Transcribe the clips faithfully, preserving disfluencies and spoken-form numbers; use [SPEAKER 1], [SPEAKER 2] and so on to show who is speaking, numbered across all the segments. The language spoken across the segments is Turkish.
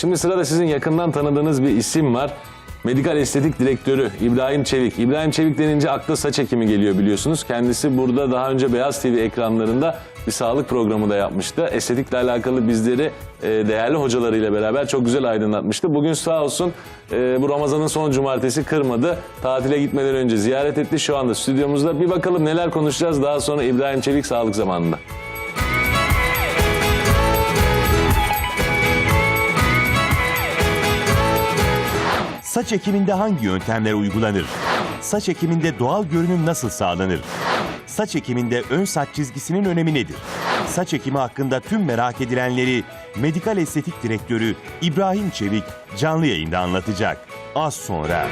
[SPEAKER 1] Şimdi sırada sizin yakından tanıdığınız bir isim var. Medikal Estetik Direktörü İbrahim Çevik. İbrahim Çevik denince akla saç ekimi geliyor biliyorsunuz. Kendisi burada daha önce Beyaz T V ekranlarında bir sağlık programı da yapmıştı. Estetikle alakalı bizleri e, değerli hocalarıyla beraber çok güzel aydınlatmıştı. Bugün sağ olsun e, bu Ramazan'ın son cumartesi kırmadı. Tatile gitmeden önce ziyaret etti. Şu anda stüdyomuzda. Bir bakalım neler konuşacağız daha sonra İbrahim Çevik sağlık zamanında.
[SPEAKER 2] Saç ekiminde hangi yöntemler uygulanır? Saç ekiminde doğal görünüm nasıl sağlanır? Saç ekiminde ön saç çizgisinin önemi nedir? Saç ekimi hakkında tüm merak edilenleri Medikal Estetik Direktörü İbrahim Çevik canlı yayında anlatacak. Az sonra.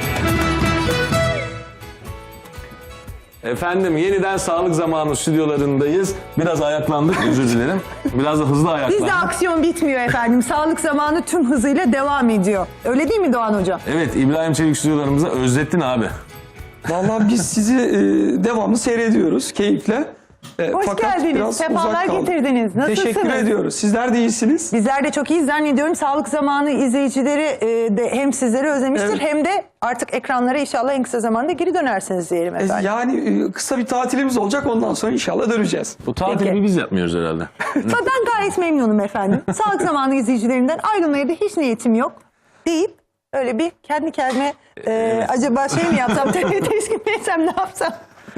[SPEAKER 1] Efendim yeniden sağlık zamanı stüdyolarındayız. Biraz ayaklandık, özür dilerim. Biraz da hızlı ayaklandık.
[SPEAKER 3] Bizde aksiyon bitmiyor efendim. Sağlık zamanı tüm hızıyla devam ediyor. Öyle değil mi Doğan Hocam?
[SPEAKER 1] Evet, İbrahim Çevik stüdyolarımıza özlettin abi.
[SPEAKER 4] Vallahi biz sizi e, devamlı seyrediyoruz keyifle. E,
[SPEAKER 3] Hoş
[SPEAKER 4] fakat
[SPEAKER 3] geldiniz,
[SPEAKER 4] biraz
[SPEAKER 3] sefalar
[SPEAKER 4] uzak kaldık.
[SPEAKER 3] getirdiniz. Nasılsınız?
[SPEAKER 4] Teşekkür ediyoruz. Sizler de iyisiniz.
[SPEAKER 3] Bizler de çok iyi zannediyorum. Sağlık zamanı izleyicileri e, de hem sizleri özlemiştir
[SPEAKER 4] Evet.
[SPEAKER 3] hem de artık ekranlara inşallah en kısa zamanda geri dönersiniz diyelim
[SPEAKER 4] E,
[SPEAKER 3] efendim.
[SPEAKER 4] yani e, kısa bir tatilimiz olacak, ondan sonra inşallah döneceğiz.
[SPEAKER 1] Bu tatili
[SPEAKER 3] Peki.
[SPEAKER 1] biz yapmıyoruz herhalde.
[SPEAKER 3] Ben gayet memnunum efendim. Sağlık zamanı izleyicilerinden ayrılmaya da hiç niyetim yok deyip öyle bir kendi kendime e, acaba şey mi yapsam, teşkil mi etsem, ne yapsam?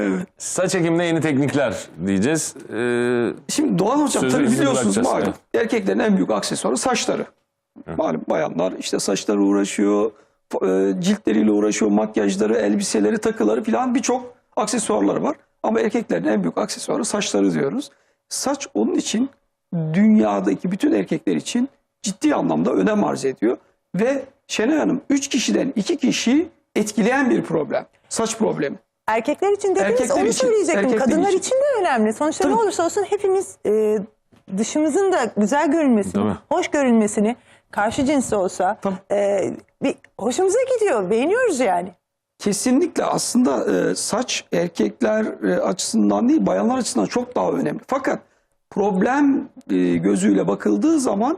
[SPEAKER 1] Saç ekiminde yeni teknikler diyeceğiz. Ee,
[SPEAKER 4] Şimdi Doğan Hocam
[SPEAKER 1] Sözü
[SPEAKER 4] tabii
[SPEAKER 1] size
[SPEAKER 4] biliyorsunuz
[SPEAKER 1] bırakacağız,
[SPEAKER 4] malum erkeklerin en büyük aksesuarı saçları. Malum bayanlar işte saçları uğraşıyor, e, ciltleriyle uğraşıyor, makyajları, elbiseleri, takıları falan birçok aksesuarları var. Ama erkeklerin en büyük aksesuarı saçları diyoruz. Saç onun için dünyadaki bütün erkekler için ciddi anlamda önem arz ediyor. Ve Şenay Hanım üç kişiden iki kişi etkileyen bir problem. Saç problemi.
[SPEAKER 3] Erkekler için dediniz,
[SPEAKER 4] Erkekler
[SPEAKER 3] onu
[SPEAKER 4] için,
[SPEAKER 3] söyleyecektim.
[SPEAKER 4] erkekler
[SPEAKER 3] Kadınlar için.
[SPEAKER 4] için.
[SPEAKER 3] de önemli. Sonuçta
[SPEAKER 4] Tabii.
[SPEAKER 3] ne olursa olsun hepimiz e, dışımızın da güzel görünmesini,
[SPEAKER 1] Tabii.
[SPEAKER 3] hoş görünmesini, karşı cinsi olsa e, bir hoşumuza gidiyor, beğeniyoruz yani.
[SPEAKER 4] Kesinlikle aslında e, saç erkekler e, açısından değil bayanlar açısından çok daha önemli. Fakat problem e, gözüyle bakıldığı zaman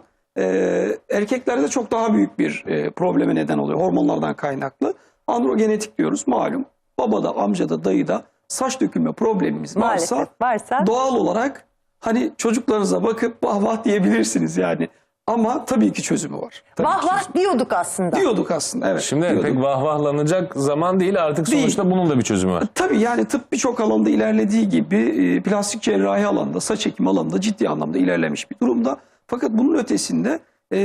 [SPEAKER 4] e, erkeklerde çok daha büyük bir e, probleme neden oluyor hormonlardan kaynaklı. Androgenetik diyoruz malum. Babada, amcada, dayıda saç dökülme problemimiz varsa,
[SPEAKER 3] Maalesef varsa.
[SPEAKER 4] doğal olarak hani çocuklarınıza bakıp vah vah diyebilirsiniz yani. Ama tabii ki çözümü var. Tabii
[SPEAKER 3] Vah
[SPEAKER 4] ki
[SPEAKER 3] vah
[SPEAKER 4] çözümü.
[SPEAKER 3] diyorduk aslında.
[SPEAKER 4] Diyorduk aslında evet.
[SPEAKER 1] Şimdi
[SPEAKER 4] diyorduk.
[SPEAKER 1] pek vahvahlanacak zaman değil artık sonuçta
[SPEAKER 4] Değil.
[SPEAKER 1] bunun da bir çözümü var.
[SPEAKER 4] Tabii yani tıp birçok alanda ilerlediği gibi e, plastik cerrahi alanında, saç ekimi alanında ciddi anlamda ilerlemiş bir durumda. Fakat bunun ötesinde e,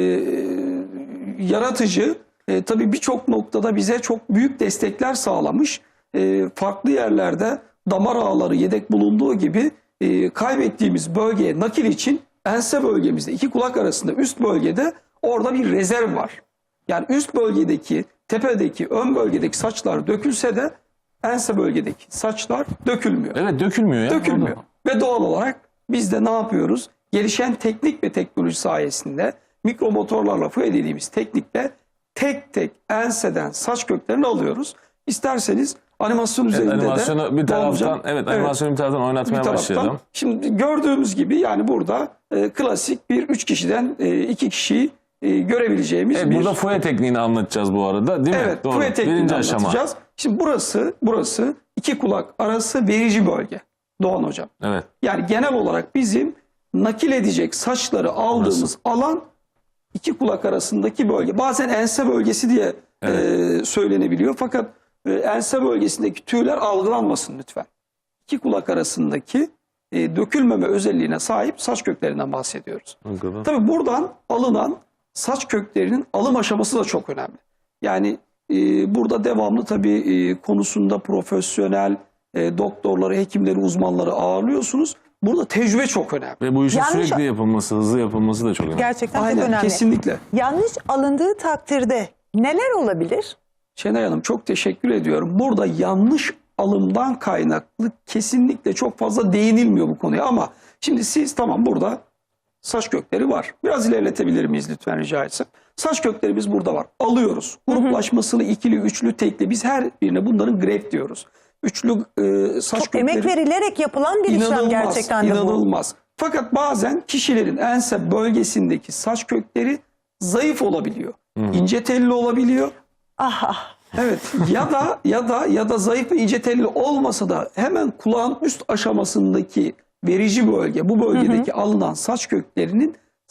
[SPEAKER 4] yaratıcı e, tabii birçok noktada bize çok büyük destekler sağlamış. E, farklı yerlerde damar ağları yedek bulunduğu gibi e, kaybettiğimiz bölgeye nakil için ense bölgemizde iki kulak arasında üst bölgede orada bir rezerv var. Yani üst bölgedeki, tepedeki, ön bölgedeki saçlar dökülse de ense bölgedeki saçlar dökülmüyor.
[SPEAKER 1] Evet dökülmüyor ya.
[SPEAKER 4] Dökülmüyor. Ve doğal olarak biz de ne yapıyoruz? Gelişen teknik ve teknoloji sayesinde mikromotorlarla fuye dediğimiz teknikle tek tek enseden saç köklerini alıyoruz. İsterseniz animasyon
[SPEAKER 1] Evet,
[SPEAKER 4] üzerinde
[SPEAKER 1] animasyonu
[SPEAKER 4] de
[SPEAKER 1] bir taraftan,
[SPEAKER 4] Hocam,
[SPEAKER 1] evet, animasyonu bir taraftan oynatmaya
[SPEAKER 4] bir taraftan.
[SPEAKER 1] başlayalım.
[SPEAKER 4] Şimdi gördüğümüz gibi yani burada e, klasik bir üç kişiden e, iki kişiyi e, görebileceğimiz
[SPEAKER 1] Evet,
[SPEAKER 4] bir...
[SPEAKER 1] burada fuye tekniğini anlatacağız bu arada değil mi?
[SPEAKER 4] Evet,
[SPEAKER 1] Doğru.
[SPEAKER 4] fuye tekniğini
[SPEAKER 1] Birinci aşama.
[SPEAKER 4] anlatacağız. Şimdi burası, burası iki kulak arası verici bölge Doğan Hocam.
[SPEAKER 1] Evet.
[SPEAKER 4] Yani genel olarak bizim nakil edecek saçları aldığımız
[SPEAKER 1] Burası.
[SPEAKER 4] alan iki kulak arasındaki bölge. Bazen ense bölgesi diye e, söylenebiliyor. Fakat e, ense bölgesindeki tüyler algılanmasın lütfen. İki kulak arasındaki e, dökülmeme özelliğine sahip saç köklerinden bahsediyoruz.
[SPEAKER 1] Bakalım.
[SPEAKER 4] Tabii buradan alınan saç köklerinin alım aşaması da çok önemli. Yani e, burada devamlı tabii e, konusunda profesyonel e, doktorları, hekimleri, uzmanları ağırlıyorsunuz. Burada tecrübe çok önemli.
[SPEAKER 1] Ve bu işin
[SPEAKER 3] Yanlış-
[SPEAKER 1] sürekli yapılması, hızlı yapılması da çok önemli.
[SPEAKER 3] Gerçekten çok
[SPEAKER 4] Aynen,
[SPEAKER 3] önemli.
[SPEAKER 4] kesinlikle.
[SPEAKER 3] Yanlış alındığı takdirde neler olabilir?
[SPEAKER 4] Şenay Hanım çok teşekkür ediyorum. Burada yanlış alımdan kaynaklı kesinlikle çok fazla değinilmiyor bu konuya. Ama şimdi siz tamam burada saç kökleri var. Biraz ilerletebilir miyiz lütfen rica etsem? Saç köklerimiz burada var. Alıyoruz. Gruplaşmasını ikili, üçlü, tekli. Biz her birine bunların greft diyoruz. Üçlü e, saç
[SPEAKER 3] Çok
[SPEAKER 4] kökleri...
[SPEAKER 3] emek verilerek yapılan bir işlem
[SPEAKER 4] İnanılmaz,
[SPEAKER 3] gerçekten de bu.
[SPEAKER 4] inanılmaz. Fakat bazen kişilerin ense bölgesindeki saç kökleri zayıf olabiliyor. İnce telli olabiliyor.
[SPEAKER 3] Ah ah.
[SPEAKER 4] Evet ya da ya da ya da zayıf ve ince telli olmasa da hemen kulağın üst aşamasındaki verici bölge, bu bölgedeki alınan saç köklerinin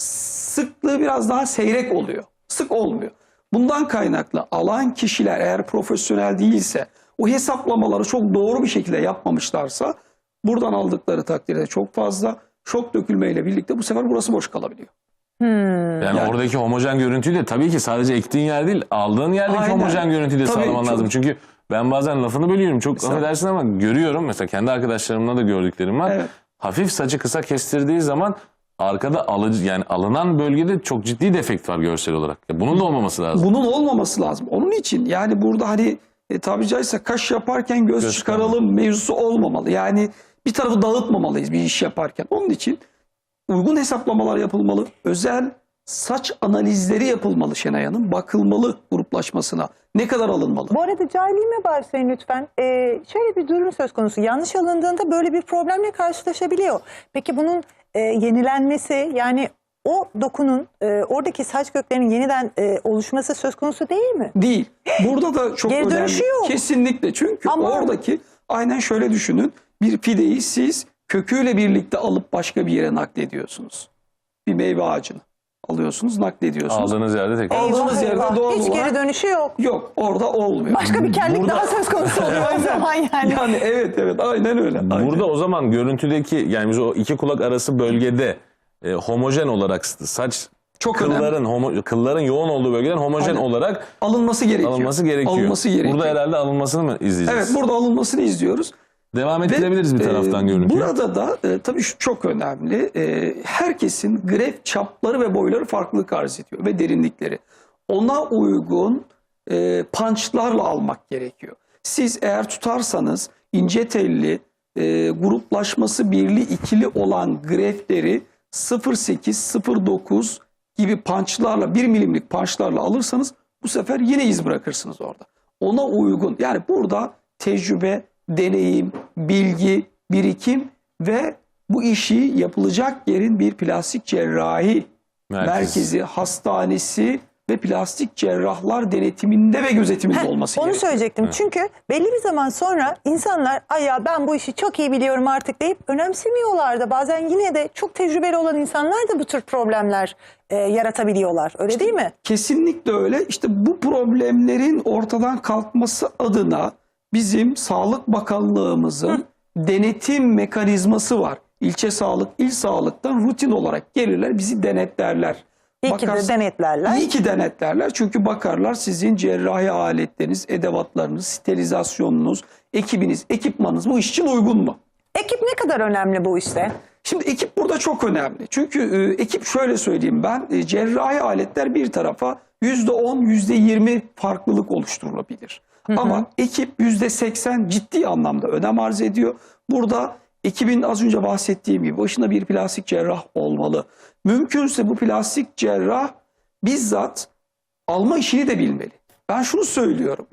[SPEAKER 4] sıklığı biraz daha seyrek oluyor. Sık olmuyor. Bundan kaynaklı alan kişiler eğer profesyonel değilse, o hesaplamaları çok doğru bir şekilde yapmamışlarsa buradan aldıkları takdirde çok fazla şok dökülmeyle birlikte bu sefer burası boş kalabiliyor.
[SPEAKER 1] Yani,
[SPEAKER 4] Yani-
[SPEAKER 1] oradaki homojen görüntüyü de tabii ki sadece ektiğin yer değil, aldığın yerdeki
[SPEAKER 4] Aynen.
[SPEAKER 1] homojen görüntüyü de
[SPEAKER 4] Tabii,
[SPEAKER 1] sağlaman
[SPEAKER 4] çok-
[SPEAKER 1] lazım. Çünkü ben bazen lafını bölüyorum. Çok
[SPEAKER 4] Estağfurullah.
[SPEAKER 1] affedersin ama görüyorum. Mesela kendi arkadaşlarımla da gördüklerim var.
[SPEAKER 4] Evet.
[SPEAKER 1] Hafif saçı kısa kestirdiği zaman arkada alıcı, yani alınan bölgede çok ciddi defekt var görsel olarak. Ya bunun da olmaması lazım.
[SPEAKER 4] Bunun olmaması lazım. Onun için yani burada hani e, tabiri caizse kaş yaparken göz,
[SPEAKER 1] Göz
[SPEAKER 4] çıkaralım mevzusu olmamalı. Yani bir tarafı dağıtmamalıyız bir iş yaparken. Onun için uygun hesaplamalar yapılmalı. Özel saç analizleri yapılmalı Şenay Hanım. Bakılmalı gruplaşmasına. Ne kadar alınmalı?
[SPEAKER 3] Bu arada cahilliğime bağışlayın lütfen. Ee, şöyle bir durum söz konusu. Yanlış alındığında böyle bir problemle karşılaşabiliyor. Peki bunun e, yenilenmesi, yani o dokunun, e, oradaki saç köklerinin yeniden e, oluşması söz konusu değil mi?
[SPEAKER 4] Değil. Burada da çok
[SPEAKER 3] Geri
[SPEAKER 4] önemli.
[SPEAKER 3] dönüşü yok.
[SPEAKER 4] Kesinlikle. Çünkü
[SPEAKER 3] Ama-
[SPEAKER 4] oradaki aynen şöyle düşünün. Bir fideyi siz köküyle birlikte alıp başka bir yere naklediyorsunuz. Bir meyve ağacını alıyorsunuz, naklediyorsunuz.
[SPEAKER 1] Aldığınız yerde tekrar.
[SPEAKER 4] Aldığınız
[SPEAKER 3] Eyvah,
[SPEAKER 4] yerde
[SPEAKER 3] eyvah.
[SPEAKER 4] doğal
[SPEAKER 3] Hiç
[SPEAKER 4] olarak-
[SPEAKER 3] geri dönüşü yok.
[SPEAKER 4] Yok, orada olmuyor.
[SPEAKER 3] Başka bir kellik
[SPEAKER 1] Burada-
[SPEAKER 3] daha söz konusu oluyor o zaman yani.
[SPEAKER 4] Yani evet evet aynen öyle. Aynen.
[SPEAKER 1] Burada o zaman görüntüdeki, yani biz o iki kulak arası bölgede e, homojen olarak saç
[SPEAKER 4] Çok
[SPEAKER 1] kılların homo, kılların yoğun olduğu bölgeden homojen
[SPEAKER 4] Aynen.
[SPEAKER 1] olarak
[SPEAKER 4] alınması gerekiyor.
[SPEAKER 1] alınması gerekiyor.
[SPEAKER 4] Alınması gerekiyor.
[SPEAKER 1] Burada herhalde alınmasını mı izleyeceğiz?
[SPEAKER 4] Evet, burada alınmasını izliyoruz.
[SPEAKER 1] Devam
[SPEAKER 4] Ve,
[SPEAKER 1] ettirebiliriz bir taraftan
[SPEAKER 4] e,
[SPEAKER 1] görüntüyü.
[SPEAKER 4] Burada da e, tabii şu çok önemli. E, herkesin gref çapları ve boyları farklılık arz ediyor ve derinlikleri. Ona uygun e, punchlarla almak gerekiyor. Siz eğer tutarsanız ince telli, e, gruplaşması birli ikili olan grefleri sıfır virgül sekiz sıfır virgül dokuz gibi punchlarla, bir milimlik punchlarla alırsanız bu sefer yine iz bırakırsınız orada. Ona uygun, yani burada tecrübe, deneyim, bilgi, birikim ve bu işi yapılacak yerin bir plastik cerrahi
[SPEAKER 1] Merkez.
[SPEAKER 4] merkezi, hastanesi ve plastik cerrahlar denetiminde ve gözetiminde
[SPEAKER 3] Heh,
[SPEAKER 4] olması
[SPEAKER 3] onu
[SPEAKER 4] gerekiyor.
[SPEAKER 3] söyleyecektim. Çünkü belli bir zaman sonra insanlar ay ya ben bu işi çok iyi biliyorum artık deyip önemsemiyorlar da bazen yine de çok tecrübeli olan insanlar da bu tür problemler e, yaratabiliyorlar. Öyle değil mi?
[SPEAKER 4] Kesinlikle öyle. İşte bu problemlerin ortadan kalkması adına bizim Sağlık Bakanlığımızın denetim mekanizması var. İlçe sağlık, il sağlıktan rutin olarak gelirler, bizi denetlerler.
[SPEAKER 3] İyi ki de
[SPEAKER 4] Bakars-
[SPEAKER 3] denetlerler.
[SPEAKER 4] İyi ki denetlerler çünkü bakarlar sizin cerrahi aletleriniz, edevatlarınız, sterilizasyonunuz, ekibiniz, ekipmanınız bu iş için uygun mu?
[SPEAKER 3] Ekip ne kadar önemli bu işte?
[SPEAKER 4] Şimdi ekip burada çok önemli. Çünkü e, ekip şöyle söyleyeyim ben, e, cerrahi aletler bir tarafa yüzde on, yüzde yirmi farklılık oluşturulabilir. Ama ekip yüzde seksen ciddi anlamda önem arz ediyor. Burada ekibin az önce bahsettiğim gibi başında bir plastik cerrah olmalı. Mümkünse bu plastik cerrah bizzat alma işini de bilmeli. Ben şunu söylüyorum.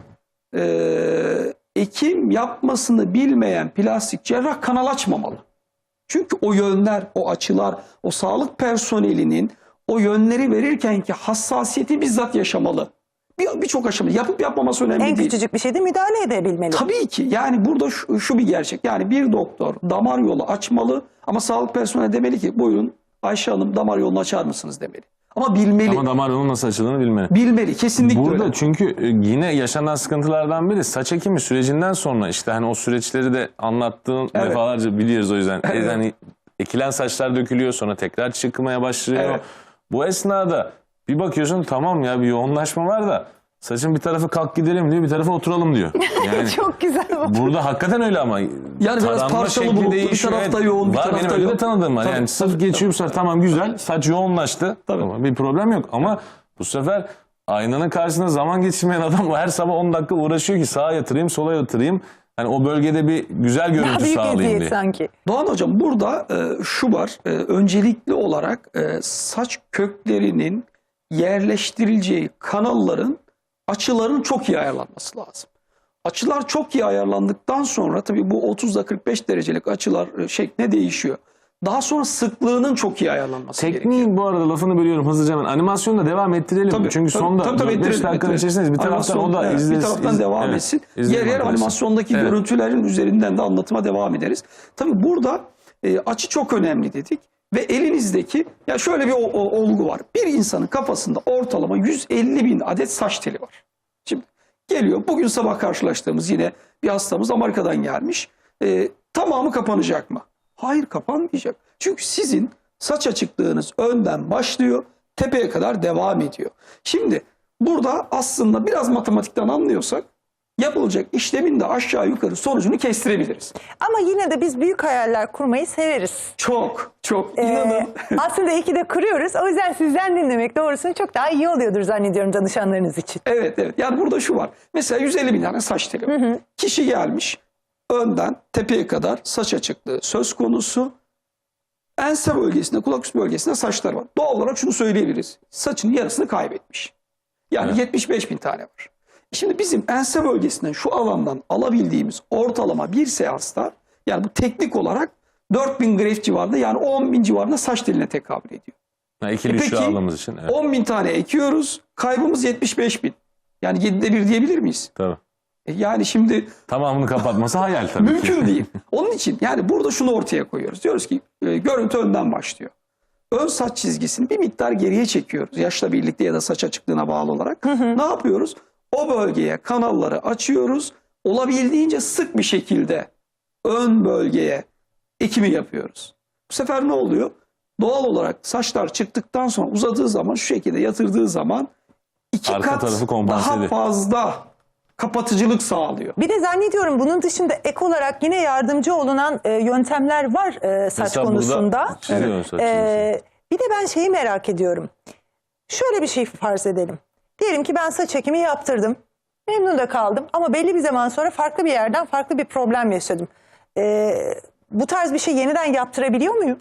[SPEAKER 4] Ee, ekim yapmasını bilmeyen plastik cerrah kanal açmamalı. Çünkü o yönler, o açılar, o sağlık personelinin o yönleri verirken ki hassasiyeti bizzat yaşamalı. Bir- Birçok aşama yapıp yapmaması önemli
[SPEAKER 3] En
[SPEAKER 4] değil.
[SPEAKER 3] küçücük bir şeyde müdahale edebilmeli.
[SPEAKER 4] Tabii ki yani burada şu, şu bir gerçek. Yani bir doktor damar yolu açmalı ama sağlık personeli demeli ki buyurun Ayşe Hanım damar yolunu açar mısınız demeli. Ama bilmeli.
[SPEAKER 1] Ama damar yolunun nasıl açıldığını bilmeli.
[SPEAKER 4] Bilmeli kesinlikle
[SPEAKER 1] Burada
[SPEAKER 4] öyle.
[SPEAKER 1] çünkü e, yine yaşanan sıkıntılardan biri saç ekimi sürecinden sonra işte hani o süreçleri de anlattığın
[SPEAKER 4] Evet.
[SPEAKER 1] defalarca biliyoruz o yüzden.
[SPEAKER 4] Evet.
[SPEAKER 1] E, hani ekilen saçlar dökülüyor sonra tekrar çıkmaya başlıyor.
[SPEAKER 4] Evet.
[SPEAKER 1] Bu esnada bir bakıyorsun tamam ya bir yoğunlaşma var da saçın bir tarafı kalk gidelim diyor bir tarafı oturalım diyor. Yani
[SPEAKER 3] Çok güzel bu.
[SPEAKER 1] burada hakikaten öyle ama
[SPEAKER 4] biraz
[SPEAKER 1] taranma
[SPEAKER 4] parçalı
[SPEAKER 1] şekli
[SPEAKER 4] bulutlu, bir
[SPEAKER 1] değişiyor.
[SPEAKER 4] tarafta yoğun, bir
[SPEAKER 1] var
[SPEAKER 4] tarafta
[SPEAKER 1] benim öyle de
[SPEAKER 4] yok.
[SPEAKER 1] tanıdığım var.
[SPEAKER 4] Tabii,
[SPEAKER 1] Yani sırf
[SPEAKER 4] tabii,
[SPEAKER 1] geçiyor bu sefer tamam güzel saç yoğunlaştı.
[SPEAKER 4] Tabii.
[SPEAKER 1] Tamam, bir problem yok ama bu sefer aynanın karşısında zaman geçirmeyen adam her sabah on dakika uğraşıyor ki sağa yatırayım sola yatırayım. Hani o bölgede bir güzel
[SPEAKER 3] Daha
[SPEAKER 1] görüntü
[SPEAKER 3] büyük
[SPEAKER 1] sağlayayım
[SPEAKER 3] eziyet
[SPEAKER 1] diye.
[SPEAKER 3] sanki.
[SPEAKER 4] Doğan Hocam burada e, şu var. E, öncelikli olarak e, saç köklerinin yerleştirileceği kanalların açıların çok iyi ayarlanması lazım. Açılar çok iyi ayarlandıktan sonra tabii bu otuzda kırk beş derecelik açılar e, şekline değişiyor. Daha sonra sıklığının çok iyi ayarlanması gerekiyor.
[SPEAKER 1] Tekniğin bu arada lafını bölüyorum hızlıca hemen. Animasyonla devam ettirelim.
[SPEAKER 4] Tabii,
[SPEAKER 1] Çünkü
[SPEAKER 4] tabii,
[SPEAKER 1] sonda
[SPEAKER 4] tabii, tabii,
[SPEAKER 1] dört beş
[SPEAKER 4] ettirelim,
[SPEAKER 1] dakikanın
[SPEAKER 4] ettirelim.
[SPEAKER 1] içerisindeyiz. Bir taraftan o da
[SPEAKER 4] evet,
[SPEAKER 1] izlesin.
[SPEAKER 4] Bir taraftan devam etsin. Yer yer animasyondaki
[SPEAKER 1] evet.
[SPEAKER 4] görüntülerin üzerinden de anlatıma devam ederiz. Tabii burada e, açı çok önemli dedik. Ve elinizdeki, ya şöyle bir o, o, olgu var. Bir insanın kafasında ortalama yüz elli bin adet saç teli var. Şimdi geliyor, bugün sabah karşılaştığımız yine bir hastamız Amerika'dan gelmiş. E, tamamı kapanacak mı? Hayır, kapanmayacak. Çünkü sizin saç açıklığınız önden başlıyor, tepeye kadar devam ediyor. Şimdi burada aslında biraz matematikten anlıyorsak yapılacak işlemin de aşağı yukarı sonucunu kestirebiliriz.
[SPEAKER 3] Ama yine de biz büyük hayaller kurmayı severiz.
[SPEAKER 4] Çok çok
[SPEAKER 3] Ee,
[SPEAKER 4] inanın.
[SPEAKER 3] aslında iyi ki de kuruyoruz. O yüzden sizden dinlemek doğrusunu çok daha iyi oluyordur zannediyorum danışanlarınız için.
[SPEAKER 4] Evet evet. Yani burada şu var. Mesela yüz elli bin tane saç teli var. Kişi gelmiş, önden tepeye kadar saç açıklığı söz konusu. Ense bölgesinde, kulak üstü bölgesinde saçlar var. Doğal olarak şunu söyleyebiliriz. Saçın yarısını kaybetmiş. Yani
[SPEAKER 1] Evet.
[SPEAKER 4] yetmiş beş bin tane var. Şimdi bizim ense bölgesinden şu alandan alabildiğimiz ortalama bir seansta, yani bu teknik olarak dört bin greft civarında, yani on bin civarında saç teline tekabül ediyor.
[SPEAKER 1] Ha, ikili
[SPEAKER 4] E
[SPEAKER 1] üçlü
[SPEAKER 4] peki,
[SPEAKER 1] aldığımız için. Evet.
[SPEAKER 4] on bin tane ekiyoruz, kaybımız yetmiş beş bin. Yani yedide bir diyebilir miyiz?
[SPEAKER 1] Tabii.
[SPEAKER 4] E yani şimdi
[SPEAKER 1] Tamamını kapatması hayal tabii ki.
[SPEAKER 4] mümkün değil. Onun için yani burada şunu ortaya koyuyoruz. Diyoruz ki e, görüntü önden başlıyor. Ön saç çizgisini bir miktar geriye çekiyoruz. Yaşla birlikte ya da saç açıklığına bağlı olarak. Ne yapıyoruz? O bölgeye kanalları açıyoruz. Olabildiğince sık bir şekilde ön bölgeye ekimi yapıyoruz. Bu sefer ne oluyor? Doğal olarak saçlar çıktıktan sonra uzadığı zaman, şu şekilde yatırdığı zaman iki
[SPEAKER 1] Arka
[SPEAKER 4] kat
[SPEAKER 1] tarafı kompanse
[SPEAKER 4] daha
[SPEAKER 1] ediyor.
[SPEAKER 4] fazla kapatıcılık sağlıyor.
[SPEAKER 3] Bir de zannediyorum bunun dışında ek olarak yine yardımcı olunan e, yöntemler var e, saç
[SPEAKER 1] Mesela
[SPEAKER 3] konusunda.
[SPEAKER 1] burada çiziyorsun saç
[SPEAKER 3] E, bir de ben şeyi merak ediyorum. Şöyle bir şey farz edelim. Diyelim ki ben saç ekimi yaptırdım. Memnun da kaldım ama belli bir zaman sonra farklı bir yerden farklı bir problem yaşadım. E, bu tarz bir şey yeniden yaptırabiliyor muyum?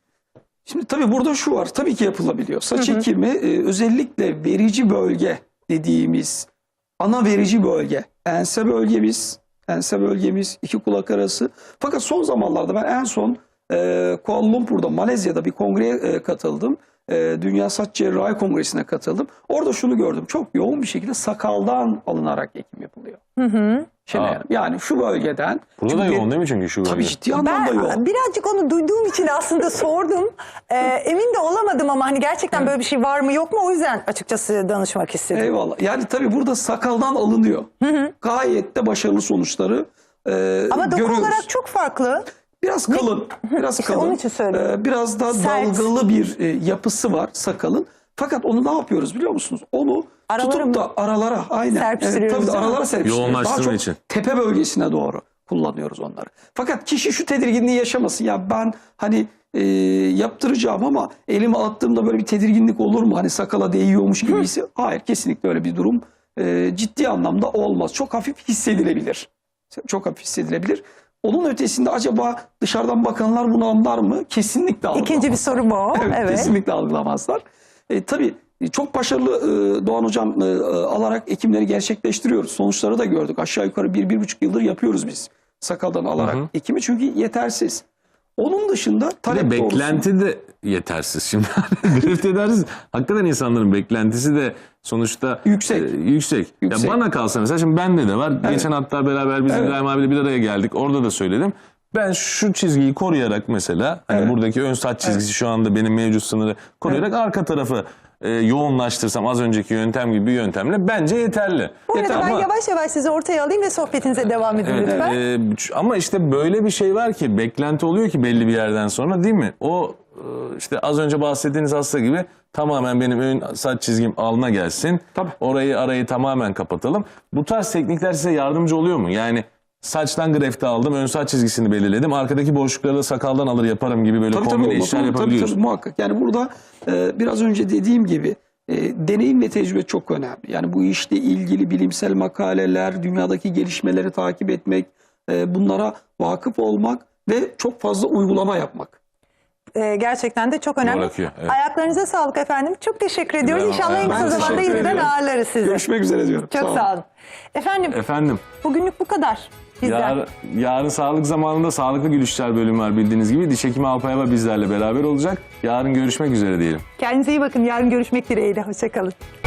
[SPEAKER 4] Şimdi tabii burada şu var. Tabii ki yapılabiliyor. Saç ekimi e, özellikle verici bölge dediğimiz ana verici bölge. Ense bölgemiz, ense bölgemiz, iki kulak arası. Fakat son zamanlarda ben en son e, Kuala Lumpur'da, Malezya'da bir kongreye e, katıldım. E, Dünya Saç Cerrahi Kongresi'ne katıldım. Orada şunu gördüm. Çok yoğun bir şekilde sakaldan alınarak ekim yapılıyor. Hı hı. Şimdi
[SPEAKER 1] Aa.
[SPEAKER 4] yani şu bölgeden.
[SPEAKER 1] Burada da
[SPEAKER 4] çünkü
[SPEAKER 1] yoğun değil mi çünkü şu
[SPEAKER 4] Tabii
[SPEAKER 1] bölge?
[SPEAKER 4] ciddi anlamda
[SPEAKER 3] Ben
[SPEAKER 4] yoğun.
[SPEAKER 3] birazcık onu duyduğum için aslında sordum. Ee, emin de olamadım ama hani gerçekten böyle bir şey var mı yok mu, o yüzden açıkçası danışmak istedim.
[SPEAKER 4] Eyvallah. Yani tabii burada sakaldan alınıyor. Gayet de başarılı sonuçları e,
[SPEAKER 3] Ama doku
[SPEAKER 4] görüyoruz.
[SPEAKER 3] olarak çok farklı.
[SPEAKER 4] Biraz kalın. Biraz
[SPEAKER 3] İşte
[SPEAKER 4] kalın.
[SPEAKER 3] onun için söylüyorum.
[SPEAKER 4] E, biraz da
[SPEAKER 3] Sert.
[SPEAKER 4] dalgalı bir e, yapısı var sakalın. Fakat onu ne yapıyoruz biliyor musunuz? Onu
[SPEAKER 3] Aralara
[SPEAKER 4] tutup
[SPEAKER 3] mı
[SPEAKER 4] da aralara, aynen.
[SPEAKER 3] serpiştiriyoruz,
[SPEAKER 4] tabii de
[SPEAKER 3] değil mi?
[SPEAKER 4] aralara serpiştiriyoruz.
[SPEAKER 1] Yoğunlaştırma
[SPEAKER 4] Daha çok
[SPEAKER 1] için.
[SPEAKER 4] tepe bölgesine doğru kullanıyoruz onları. Fakat kişi şu tedirginliği yaşamasın. Ya ben hani e, yaptıracağım ama elimi attığımda böyle bir tedirginlik olur mu? Hani sakala değiyormuş gibisi. Hayır, kesinlikle öyle bir durum e, ciddi anlamda olmaz. Çok hafif hissedilebilir. Çok hafif hissedilebilir. Onun ötesinde acaba dışarıdan bakanlar bunu anlar mı? Kesinlikle algılamaz.
[SPEAKER 3] İkinci bir soru bu.
[SPEAKER 4] Evet,
[SPEAKER 3] Evet.
[SPEAKER 4] kesinlikle algılamazlar. E, tabii çok başarılı e, Doğan Hocam e, alarak ekimleri gerçekleştiriyoruz. Sonuçları da gördük. Aşağı yukarı bir, bir buçuk yıldır yapıyoruz biz sakaldan alarak
[SPEAKER 1] Hı hı.
[SPEAKER 4] ekimi. Çünkü yetersiz. Onun dışında
[SPEAKER 1] Bir de
[SPEAKER 4] talep doğrusu.
[SPEAKER 1] beklenti de yetersiz şimdi. Greft edersiz. Hakikaten insanların beklentisi de sonuçta
[SPEAKER 4] Yüksek.
[SPEAKER 1] e, yüksek.
[SPEAKER 4] Yüksek.
[SPEAKER 1] Ya bana kalsa mesela, şimdi bende de var. Geçen hatta beraber biz
[SPEAKER 4] Evet.
[SPEAKER 1] İbrahim abiyle bir araya geldik. Orada da söyledim. Ben şu çizgiyi koruyarak mesela, hani
[SPEAKER 4] Evet.
[SPEAKER 1] buradaki ön saç çizgisi şu anda benim mevcut sınırı koruyarak arka tarafı e, yoğunlaştırsam az önceki yöntem gibi bir yöntemle bence yeterli.
[SPEAKER 3] Bu arada
[SPEAKER 1] Yeter
[SPEAKER 3] ben
[SPEAKER 1] ama-
[SPEAKER 3] yavaş yavaş sizi ortaya alayım ve sohbetinize devam edin
[SPEAKER 1] Evet,
[SPEAKER 3] lütfen.
[SPEAKER 1] e, ama işte böyle bir şey var ki, beklenti oluyor ki belli bir yerden sonra, değil mi? O e, işte az önce bahsettiğiniz hasta gibi tamamen benim ön saç çizgim alna gelsin.
[SPEAKER 4] Tabii.
[SPEAKER 1] Orayı, arayı tamamen kapatalım. Bu tarz teknikler size yardımcı oluyor mu? Yani saçtan grefti aldım, ön saç çizgisini belirledim. Arkadaki boşlukları da sakaldan alır yaparım gibi böyle
[SPEAKER 4] Tabii,
[SPEAKER 1] kombine
[SPEAKER 4] tabii,
[SPEAKER 1] işler
[SPEAKER 4] tabii,
[SPEAKER 1] yapabiliyoruz.
[SPEAKER 4] tabii, muhakkak. Yani burada e, biraz önce dediğim gibi e, deneyim ve tecrübe çok önemli. Yani bu işle ilgili bilimsel makaleler, dünyadaki gelişmeleri takip etmek, e, bunlara vakıf olmak ve çok fazla uygulama yapmak.
[SPEAKER 3] Ee, gerçekten de çok önemli.
[SPEAKER 1] Bırakıyor, evet.
[SPEAKER 3] Ayaklarınıza sağlık efendim. Çok teşekkür ediyoruz.
[SPEAKER 1] İbrahim,
[SPEAKER 3] İnşallah en
[SPEAKER 1] ben
[SPEAKER 3] kısa zamanda
[SPEAKER 4] teşekkür
[SPEAKER 3] yeniden
[SPEAKER 4] ediyorum.
[SPEAKER 3] ağırlarız sizi.
[SPEAKER 4] Görüşmek üzere diyorum.
[SPEAKER 3] Çok
[SPEAKER 4] Sağ olun.
[SPEAKER 3] sağ olun. Efendim
[SPEAKER 1] Efendim,
[SPEAKER 3] bugünlük bu kadar. bizden.
[SPEAKER 1] Yar, yarın sağlık zamanında sağlıklı gülüşler bölümü var bildiğiniz gibi. Diş hekimi Alpayava bizlerle beraber olacak. Yarın görüşmek üzere diyelim.
[SPEAKER 3] Kendinize iyi bakın. Yarın görüşmek dileğiyle. Hoşçakalın.